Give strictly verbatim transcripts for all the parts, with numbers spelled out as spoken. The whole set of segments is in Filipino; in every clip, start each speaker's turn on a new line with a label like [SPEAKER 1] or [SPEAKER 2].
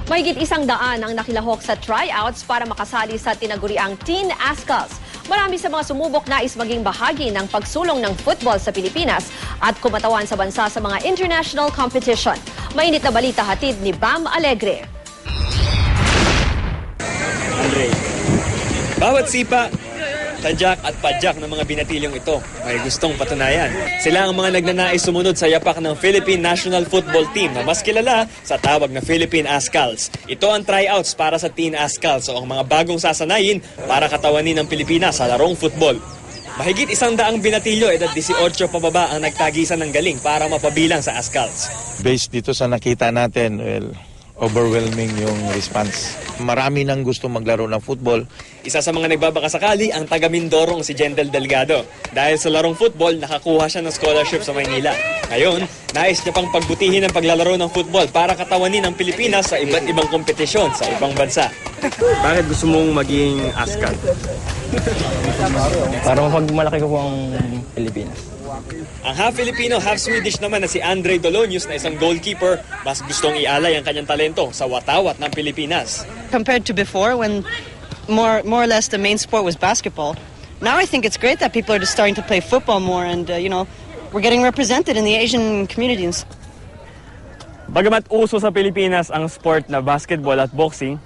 [SPEAKER 1] Mahigit isang daan ang nakilahok sa tryouts para makasali sa tinaguriang Teen Ascals. Marami sa mga sumubok nais maging bahagi ng pagsulong ng football sa Pilipinas at kumatawan sa bansa sa mga international competition. Mainit na balita hatid ni Bam Alegre.
[SPEAKER 2] Andre, bawat sipa, tadyak at padyak ng mga binatilyong ito may gustong patunayan. Sila ang mga nagnanais sumunod sa yapak ng Philippine National Football Team na mas kilala sa tawag na Philippine Ascals. Ito ang tryouts para sa Teen Ascals o ang mga bagong sasanayin para katawanin ng Pilipinas sa larong football. Mahigit isang daang binatilyo edad eighteen pababa ang nagtagisan ng galing para mapabilang sa Ascals.
[SPEAKER 3] Based dito sa nakita natin, well, overwhelming yung response. Marami nang gusto maglaro ng football.
[SPEAKER 2] Isa sa mga nagbabakasakali ang taga Mindorong si Jendel Delgado. Dahil sa larong football, nakakuha siya ng scholarship sa Maynila. Ngayon, nais niya pang pagbutihin ang paglalaro ng football para katawanin ang Pilipinas sa iba't ibang kompetisyon sa ibang bansa. Bakit gusto mong maging Ascal?
[SPEAKER 4] Para mapagmalaki ko po ang Pilipinas.
[SPEAKER 2] Ang half-Filipino, half-Swedish naman na si Andre Dolonius na isang goalkeeper, mas gustong ialay ang kanyang talento sa watawat ng Pilipinas.
[SPEAKER 5] Compared to before, when more more or less the main sport was basketball, now I think it's great that people are just starting to play football more, and uh, you know, we're getting represented in the Asian communities.
[SPEAKER 2] Bagamat uso sa Pilipinas ang sport na basketball at boxing,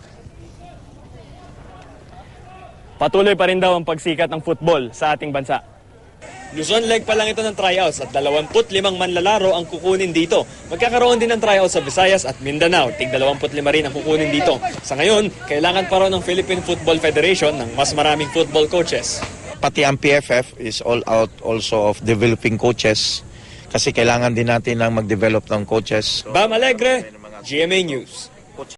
[SPEAKER 2] patuloy pa rin daw ang pagsikat ng football sa ating bansa. Luzon leg pa lang ito ng tryouts at dalawampu't limang manlalaro ang kukunin dito. Magkakaroon din ng tryouts sa Visayas at Mindanao. Tig dalawampu't lima rin ang kukunin dito. Sa ngayon, kailangan pa raw ng Philippine Football Federation ng mas maraming football coaches.
[SPEAKER 3] Pati ang P F F is all out also of developing coaches kasi kailangan din natin ng mag-develop ng coaches.
[SPEAKER 2] Bam Alegre, G M A News.